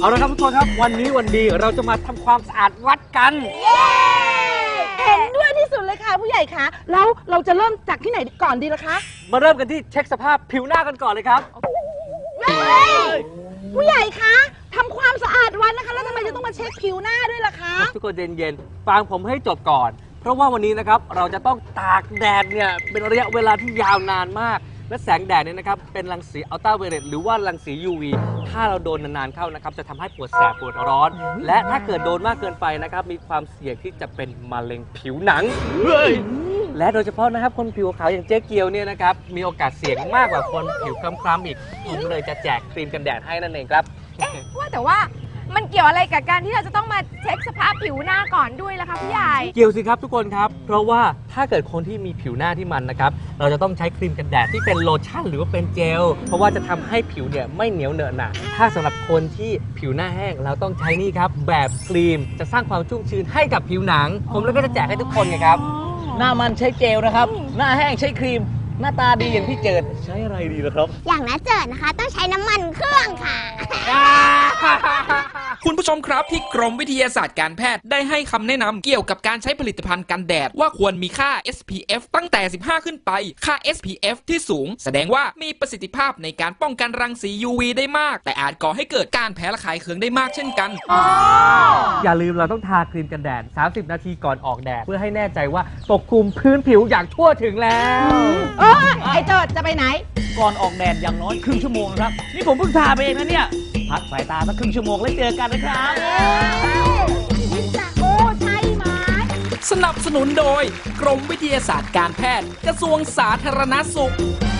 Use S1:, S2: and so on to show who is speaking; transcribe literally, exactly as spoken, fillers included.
S1: เอาละครับทุกคนครับวันนี้วันดีเราจะมาทำความสะอาดวัดกัน
S2: เย้เห็นด้วยที่สุดเลยค่ะผู้ใหญ่คะแล้วเราจะเริ่มจากที่ไหนก่อนดีล่ะคะ
S1: มาเริ่มกันที่เช็คสภาพผิวหน้ากันก่อนเลยครับ
S2: ผู้ใหญ่คะทำความสะอาดวัดนะคะแล้วทำไมจะต้องมาเช็คผิวหน้าด้วยล่ะคะ
S1: ทุกคนเย็นๆฟังผมให้จบก่อนเพราะว่าวันนี้นะครับเราจะต้องตากแดดเนี่ยเป็นระยะเวลาที่ยาวนานมากและแสงแดดเนี่ยนะครับเป็นรังสีอัลตราไวโอเลตหรือว่ารังสี ยู วี ถ้าเราโดนนานๆเข้านะครับจะทำให้ปวดแสบปวดร้อนและถ้าเกิดโดนมากเกินไปนะครับมีความเสี่ยงที่จะเป็นมะเร็งผิวหนังและโดยเฉพาะนะครับคนผิวขาวอย่างเจ๊เกียวเนี่ยนะครับมีโอกาสเสี่ยงมากกว่าคนผิวคล้ำๆอีกผมเลยจะแจกครีมกันแดดให้นั่นเองครับ
S3: เอ๊ะว่าแต่ว่ามันเกี่ยวอะไรกับการที่เราจะต้องมาเช็คสภาพผิวหน้าก่อนด้วยล่ะคะพี่ใหญ่
S1: เกี่ยวสิครับทุกคนครับเพราะว่าถ้าเกิดคนที่มีผิวหน้าที่มันนะครับเราจะต้องใช้ครีมกันแดดที่เป็นโลชั่นหรือว่าเป็นเจลเพราะว่าจะทำให้ผิวเนี่ยไม่เหนียวเหนอะหนะถ้าสำหรับคนที่ผิวหน้าแห้งเราต้องใช้นี่ครับแบบครีมจะสร้างความชุ่มชื้นให้กับผิวหนังผมเลยก็จะแจกให้ทุกคนไงครับ
S4: หน้ามันใช้เจลนะครับหน้าแห้งใช้ครีมหน้าตาดีอย่างพี่เจิดใช้อะไรดีล่ะครับ
S5: อย่างน้าเจิดนะคะต้องใช้น้ำมันเครื่องค่ะ
S6: คุณผู้ชมครับที่กรมวิทยาศาสตร์การแพทย์ได้ให้คำแนะนำเกี่ยวกับการใช้ผลิตภัณฑ์กันแดดว่าควรมีค่า เอส พี เอฟ ตั้งแต่สิบห้าขึ้นไปค่า เอส พี เอฟ ที่สูงแสดงว่ามีประสิทธิภาพในการป้องกันรังสี ยู วี ได้มากแต่อาจก่อให้เกิดการแพ้ระคายเคืองได้มากเช่นกัน
S1: อย่าลืมเราต้องทาครีมกันแดดสามสิบนาทีก่อนออกแดดเพื่อให้แน่ใจว่าปกคลุมพื้นผิวอย่างทั่วถึงแล้ว
S2: เออไอ้เจิดจะไปไหน
S4: ก่อนออกแดดอย่างน้อยครึ่งชั่วโมงครับนี่ผมเพิ่งทาไปเองนะเนี่ยพักสายตาสักครึ่งชั่วโมงแล้วเจอกันนะครับ
S2: โอ้ใช่ไหม
S6: สนับสนุนโดยกรมวิทยาศาสตร์การแพทย์กระทรวงสาธารณสุข